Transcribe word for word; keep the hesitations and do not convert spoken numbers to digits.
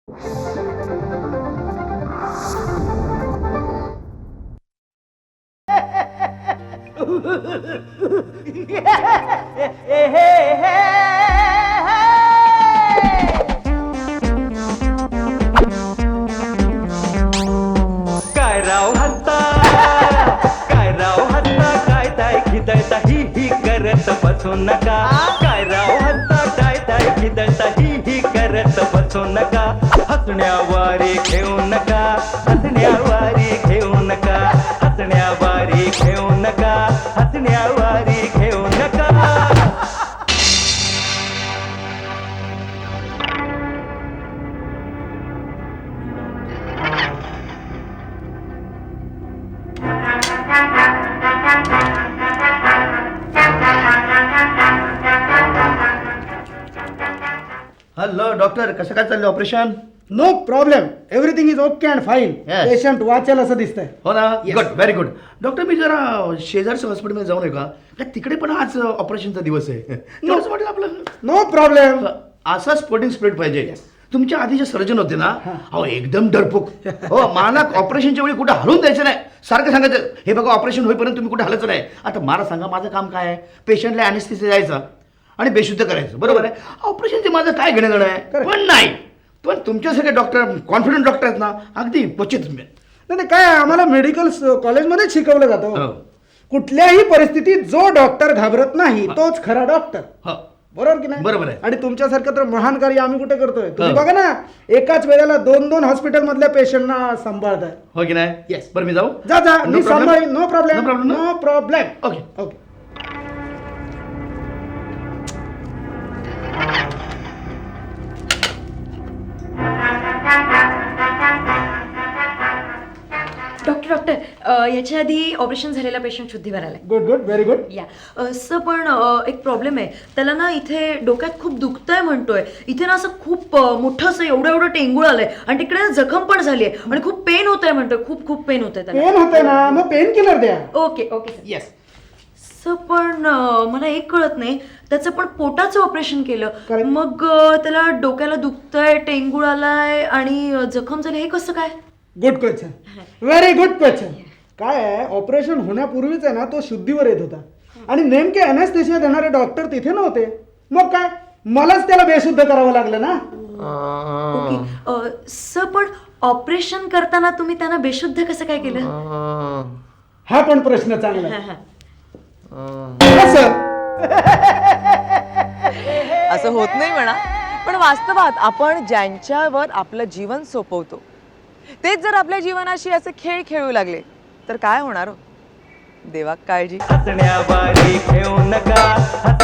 काय राव हत्ता काय राव हत्ता काय ताय खिदळता ही ही करत बसू नका काय राव हत्ता काय ताय खिदळता ही ही करत बसू नका हसण्यावारे घेऊ नका हसण्यावारे घेऊ नका हसण्यावारे घेऊ नका हसण्यावारे घेऊ नका. हॅलो डॉक्टर, कसं काय चाललं operation? No problem, everything is okay and fine. Yes. Patient वाचेल असं दिसतंय. हो ना, Yes. Good, very good. Doctor, मी जरा शेजारच्या हॉस्पिटलमध्ये जाऊन आहे का? का तिकडे पण आज ऑपरेशनचा दिवस आहे. तेवढंच वाटेल आपलं. No problem. असा स्पोर्टिंग स्पिरिट पाहिजे. तुमच्या आधी जे सर्जन होते ना, अहो एकदम डरपूक. हो, मला ऑपरेशनच्या वेळी कुठे हलवून द्यायचं नाही. सारखं सांगायचं, हे बघा ऑपरेशन होईपर्यंत तुम्ही कुठे हलायचं नाही. आता मला सांगा, माझं काम काय आहे? पेशंटला अॅनेस्थेसिया द्यायचं आणि बेशुद्ध करायचं, बरोबर आहे? ऑपरेशनचे माझं काय घेणं देणं आहे? पण नाही, पण तुमच्यासारखे डॉक्टर, कॉन्फिडंट डॉक्टर आहेत ना, अगदी क्वचित. नाही काय, आम्हाला मेडिकल कॉलेजमध्ये शिकवलं जातं. हो. कुठल्याही परिस्थितीत जो डॉक्टर घाबरत नाही तोच खरा डॉक्टर. हो, बरोबर की नाही? बरोबर आहे. आणि तुमच्यासारखं तर महान कार्य आम्ही कुठे करतोय. तुम्ही हो. बघा ना, एकाच वेळेला दोन दोन हॉस्पिटल मधल्या पेशंटना सांभाळताय. हो की नाही? Yes. बरं, मी जाऊ? जा जा, No मी problem? सांभाळीन. No No problem, problem, no? No problem. Okay. Okay. Doctor doctor uh, याच्या आधी ऑपरेशन झालेला पेशंट शुद्धीवर आलाय. Good good, very good. या असं पण अ, एक प्रॉब्लेम आहे. त्याला ना इथे डोक्यात खूप दुखतंय म्हणतोय. इथे ना असं खूप अ, मोठं असं एवढं एवढं टेंगूळ आलंय आणि तिकडे जखम पण झाली आहे आणि खूप पेन होतंय म्हणतोय. खूप खूप पेन होतंय त्याला. पेन होतंय ना, मग पेन किलर द्या. Okay okay sir. Yes. Sir पण अ, मला एक कळत नाही, त्याचं पण पोटाचं ऑपरेशन केलं, Correct. मग अ, त्याला डोक्याला दुखतंय, टेंगूळ आलाय आणि अ, जखम झाली, हे कसं काय? Good question, very good question. काय आहे, ऑपरेशन होण्यापूर्वीच आहे ना तो शुद्धीवर येत होता आणि नेमके अॅनेस्थेसिया देणारे डॉक्टर तिथे नव्हते. मग काय, मलाच त्याला बेशुद्ध करावं लागलं ना. ओके अ, सर पण ऑपरेशन करताना तुम्ही त्यांना बेशुद्ध कसं काय केलं? हा पण प्रश्न चांगला हा, आहे. हा. कसं? असं होत नाही म्हणा, पण वास्तवात आपण ज्यांच्यावर आपलं जीवन सोपवतो तेच जर आपल्या जीवनाशी असे खेळ खेळू लागले तर काय होणार हो? देवा काळजी. हसण्यावारे घेऊ नका